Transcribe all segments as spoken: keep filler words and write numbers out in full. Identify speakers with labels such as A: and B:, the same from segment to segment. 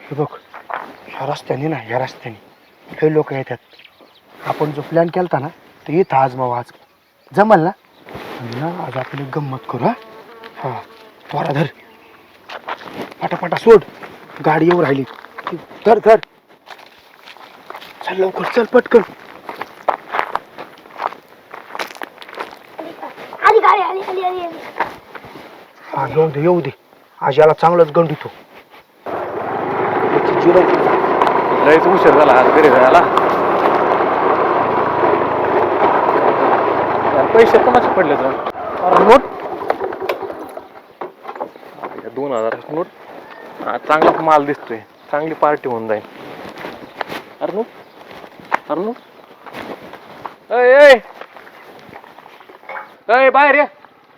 A: हे बघ, ह्या रस्त्याने ना ह्या रस्त्याने हे लोक येतात. आपण जो प्लॅन केलता ना तो इथं आजमावा आज जमल ना. आणि ना आज आपण एक गंमत करू. हा हा त्वरा धर, पटापटा सोड, गाडी येऊ राहिली. धर धर, चल लवकर, चल पटकन.
B: आली गाडी आली आली आली आली.
A: हा येऊ दे येऊ दे, आज याला चांगलंच गंडितो.
C: लयच उशीर झाला आज घरी जायला. पैसे कोणाचे पडले तर नोट, दोन हजाराची नोट. चांगला माल दिसतोय, चांगली पार्टी होऊन जाईल. अरे नोट अरे नोट अय बाहेर या.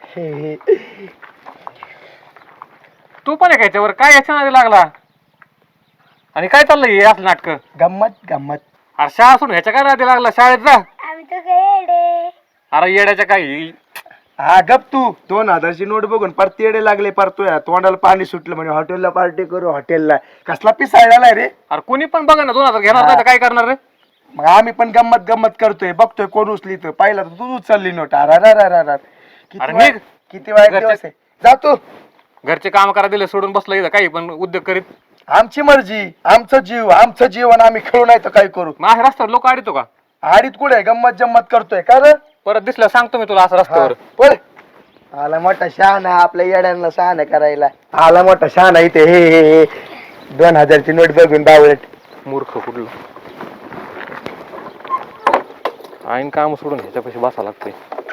C: तू पण आहे याच्यावर काय याच्या नादी लागला आणि काय चाललंय हे असलं नाटक?
A: गंमत गंमत.
C: अरे शाळा सोडून ह्याच्या काय नादी लागला? शाळेत जा.
B: आम्ही तर येडे.
C: अरे येड्याच्या काही.
A: हा गप तू. दोन हजारची नोट बघून परत येडे लागले, परतोय तोंडाला पाणी सुटलं. म्हणजे हॉटेलला पार्टी करू, हॉटेलला कसला पिसाळला रे.
C: अरे कोणी पण बघा ना, दोन हजार घेणार नाही तर काय करणार रे?
A: मग आम्ही पण गंमत गंमत करतोय, बघतोय कोण उचली तर. पाहिला तर तू उचलली नोट. अरे किती वाईट, किती वाईट दिवस आहे. जातो
C: घरचे काम करा दिले सोडून बसलं इथं काही पण उद्योग करीत.
A: आमची मर्जी, आमचं जीव, आमचं जीवन आम्ही खेळू नाही तर काय करू.
C: माझ्या रस्त्यावर लोक आडितो का?
A: आडीत कुठे गंमत जम्मत करतोय का रे?
C: परत दिसलं सांगतो मी तुला असं रस्त्यावर.
A: पळ. आला मोठा शहाणा आपल्या येड्यांना शहाणा करायला. आला मोठा शहाणा इथे. हे हे हे दोन हजारची नोट बघून बावळट.
C: मूर्ख कुठलं. आईन काम सोडून ह्याच्यापाशी बसा लागते.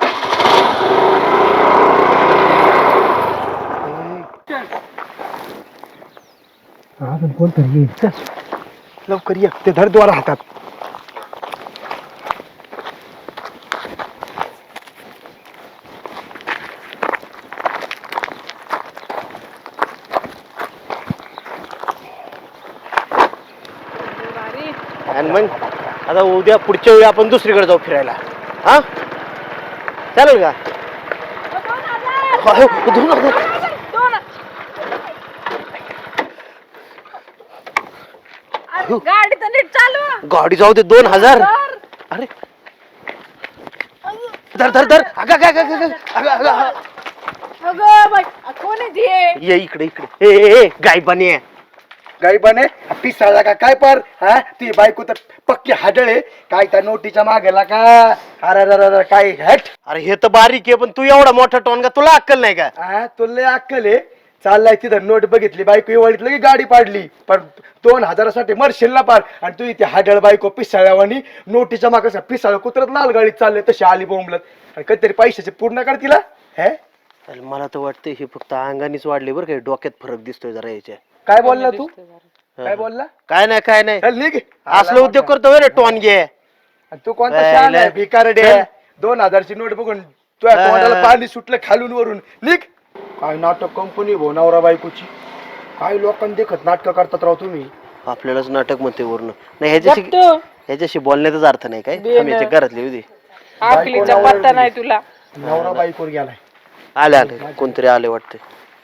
A: अजून कोणतरी येईल. चल लवकर ये, ते धर द्वारा हातात.
D: आणि मग आता उद्या पुढच्या वेळी आपण दुसरीकडे जाऊ फिरायला. हा चालेल का? दोन हजार.
E: गाडी तर नीट चालू.
D: गाडी जाऊ दे. दोन हजार. अरे धर धर धर. अगं अगं अगं अगं अगं अगं.
E: अगं बाई कोण आहे ती?
D: ये इकडे इकडे. ए ए गाय बने.
A: गाई बने पिसाळला का काय पर. हा ती बायको तर पक्की हाडळे. काय त्या नोटीच्या मागेला का. अरे काय हट.
D: अरे हे तर बारीक आहे, पण तू एवढा मोठा टोनगा, तुला अक्कल नाही का?
A: हा तुला अक्कल आहे. चाललाय तिथं नोट बघितली, बायको एवढीतलं की गाडी पाडली. पण दोन हजारासाठी मरशील ना पार. आणि तू इथे हाडळ बायको पिसाळ्यावानी नोटीच्या मागे पिसाळ कुत्रत लाल गाडीत चालले तशी आली बोंबलत. आणि कधीतरी पैशाचे पूर्ण कर तिला. हे
D: मला तर वाटतं हे फक्त अंगानेच वाढले बरं काय, डोक्यात फरक दिसतोय जरा याच्या.
A: काय बोलला तू? काय बोलला?
D: काय नाही काय नाही.
A: चल निघ.
D: असलं उद्योग करतो रे टोन घे.
A: तू कोणता शहाणा आहे भिकारडे. दोन हजारची नोट बघून तुझ्या तोंडाला पाणी सुटलं खालून वरून. निघ. काय नाटक कंपनी भो नवरा बायकोची. काय लोकांना देखत नाटक करतात राव तुम्ही.
D: आपल्यालाच नाटक म्हणते वरून. नाही ह्याच्याशी ह्याच्याशी बोलण्याचाच अर्थ नाही काय. आम्ही घरातले होते.
E: आकलीचा पत्ता नाही तुला.
A: नवरा बायकोर गेलाय.
D: आले आले कोणतरी आले वाटते.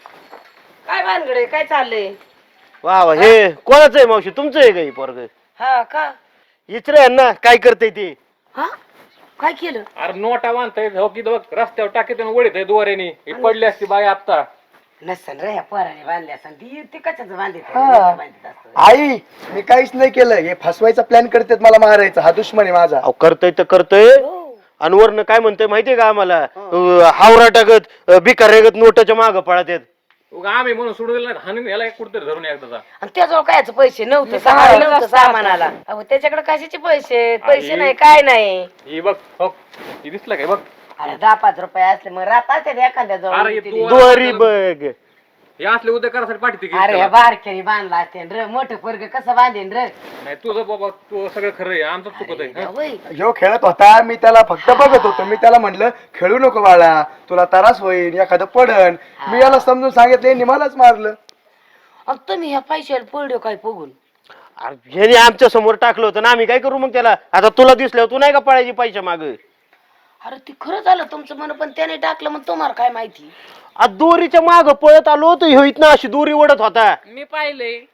E: काय भानगडे काय चाललंय?
D: वा वा. हे कोणाचं आहे मावशी? तुमचं आहे काही पोरग?
E: हा का?
D: इचरे ना काय करते ते.
E: हा काय केलं?
C: अरे नोटा बांधताय हो की बघ रस्त्यावर टाकीत वडीत आहे दोऱ्याने. पडली असती बाई आता.
E: नसन रे ह्या पोराने बांधली असं ती ते कशाच बांधित
A: हा. आई मी काहीच नाही केलं. हे फसवायचा प्लॅन करतात मला मारायचा. हा दुश्मन आहे माझा.
D: अहो करतोय तर करतोय. अनवरनं काय म्हणतोय माहितीये का आम्हाला? हावरा टाकत भिकार रेगत नोटाच्या मागं पळत येत.
C: आम्ही म्हणून सोडून दिलं हाणून याला कुठतरी धरून एकदा.
E: आणि त्याजवळ कायच पैसे नव्हते नव्हतं सामानाला. अहो त्याच्याकडे कशाचे पैसे? पैसे नाही काय नाही.
C: ही बघ हो ही दिसलं काय बघ.
E: अरे दहा पाच रुपये असले मग राहतात एखाद्या
C: अरे
E: जवळ.
C: तू
D: दोरी बघ.
C: हे असले उद्या करासाठी पाठीते की
E: अरे ह्या बारक्याने बांधला असते र. मोठं पोरग कसं बांधेन र.
C: नाही तुझं बाबा तू सगळं खरं आहे. आमचं चुकत आहे.
E: होय.
A: ह्यो खेळत होता. मी त्याला फक्त बघत होतो. मी त्याला म्हणलं खेळू नको बाळा, तुला त्रास होईल, एखादं पडन. मी याला समजून सांगितलं, यांनी मलाच मारलं.
E: आणि तुम्ही ह्या पैशाला पडलो काय बघून?
D: ह्याने आमच्या समोर टाकलं होतं ना, आम्ही काय करू मग त्याला? आता तुला दिसल्यावर तू नाही का पळायची पैसे माग?
E: अरे ती खरं झालं तुमचं मन, पण त्याने टाकलं मग तुम्हाला काय माहिती?
D: दोरीच्या माग पळत आलो होतो, ह्यो इथनं अशी दोरी ओढत होता.
E: मी पाहिले.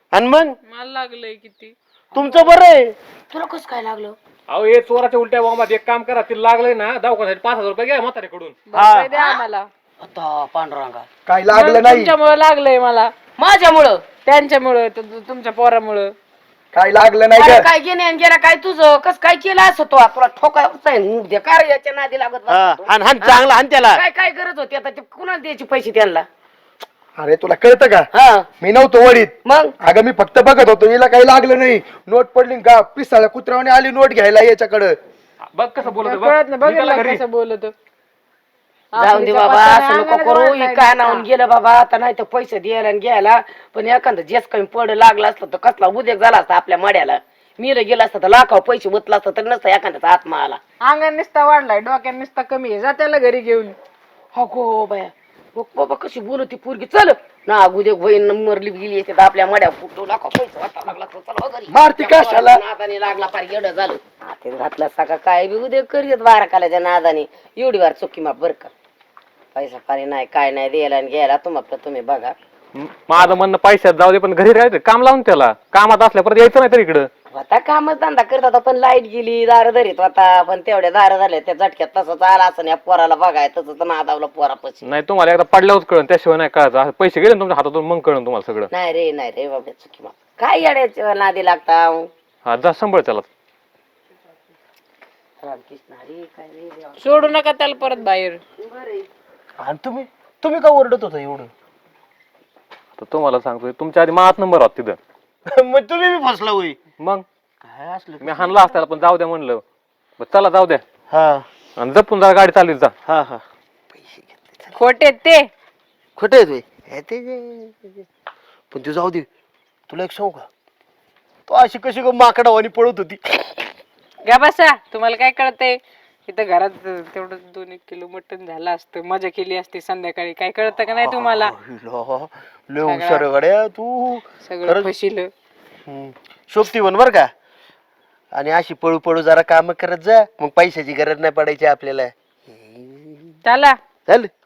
D: आणि मग
F: मला लागलंय किती.
D: तुमचं बरं आहे.
E: तुला कसं काय लागलं?
C: अहो हे चोराच्या उलट्या बॉम्बात एक काम करा, ते लागलंय ना दवाखान्यासाठी पाच हजार रुपये घ्या म्हाताऱ्याकडून.
F: बरं, द्या आम्हाला.
E: आता पांडुरंगा
A: काय लागलं नाही,
F: तुमच्यामुळे लागलंय मला,
E: माझ्यामुळं
F: त्यांच्यामुळं, तु- तुमच्या पोरामुळं.
A: काय लागलं नाही
E: अरे
A: का?
E: काय गेले आणि गेला काय तुझं कस काय केलं असं तो तुला ठोकाय काय याच्या नादी लागत
D: हा,
E: बसला तू?
D: हाण हाण चांगला हाण त्याला.
E: काय काय गरज होती आता ते कुणाला द्यायचे पैसे त्यांना?
A: अरे तुला कळतं का?
E: हा
A: मी नव्हतो वडीत.
E: मग
A: अगं मी फक्त बघत होतो, हिला काही लागलं नाही. नोट पडली का पिसाळ्या कुत्र्याने आली नोट घ्यायला याच्याकडं.
C: बघ कसं बोलत आहे,
F: कळत नाही
C: बघ. मी त्याला
F: बघ
C: घरी
F: कसं बोलत.
E: जाऊन दे बाबा असं नको करू ही काय नावून गेलं बाबा आता नाही तर पैसे द्यायला आणि घ्यायला पण एखादं जेस कमी पड लागला असतं तर कसला उद्योग झाला असता आपल्या मड्याला. मीला गेला असता तर लाखाव पैसे उतला असता तर नसता एखाद्याचा आत्मा आला.
F: अंगण निसता वाढलाय, डोक्यात निसता कमी आहे, जा त्याला घरी घेऊन.
E: अगो बाया बघ बाबा कशी बोलत ती पोरगी. चल ना उद्योग बहीण मरली गेली येते आपल्या मड्या फुटू लाखाव पैसे वाटा लागला तर चला घरी.
A: मारती कशाला?
E: नादाने लागला पार एवढं झालं हातात घातला सका काय बी उद्योग करीत बारा कालाच्या नादाने एवढी वार चुकी माप बर का. पैसा पाणी नाही काय नाही द्यायला आणि घ्यायला तुम्हाला तुम्ही बघा.
C: म- माझं म्हणणं पैशात जाऊ दे, पण घरी राहायचं काम लावून त्याला. कामात असल्या परत यायचं नाही तर इकडं.
E: आता कामच धंदा करत होता पण लाईट गेली दार धरीत होता पण तेवढ्या दार झाल्या त्या झटक्यात तसंच आला असं या पोराला बघाय तसंच नादावलं पोरापाशी.
C: नाही तुम्हाला एकदा पडल्यावरच कळण, त्याशिवाय नाही कळायचं. असं पैसे गेले ना तुमच्या हातातून मग कळण तुम्हाला सगळं.
E: नाही रे नाही रे बाबा चुकी माप काय येड्याच्या नादी लागता.
C: हा जा सांभाळ त्याला.
E: रामकृष्ण हरी काय रे देवा.
F: सोडू नका त्याला परत बाहेर.
D: आणि तुम्ही तुम्ही का ओरडत होता एवढं?
C: तर तुम्हाला सांगतोय, तुमच्या आधी माझाच नंबर होता तिथं.
D: मग तुम्ही बी फसला होई.
C: मग
D: काय असलं?
C: मी हाणला असताना पण जाऊ द्या म्हणलं. बरं चला जाऊ द्या,
D: हा
C: आणि जपून जरा गाडी चालली जा.
D: हा हा
F: खोटे ते
D: खोटे आहे हे ते जे- पण तू जाऊ दे. तुला एक सांगू का, तू अशी कशी ग माकडावानी पळत होती.
F: घ्या बसा. तुम्हाला काय कळतंय? इथं घरात तेवढं दोन एक किलो मटण झालं असतं, मजा केली असती संध्याकाळी. काय कळतं का नाही तुम्हाला?
D: लय हुशार गड्या तू.
F: सगळं
D: खरंच.
F: फसिलं.
D: हम्म. शोभती बन बर का. आणि अशी पळू पळू जरा काम करत जा, मग पैशाची गरज नाही पडायची आपल्याला.
F: चला
D: चल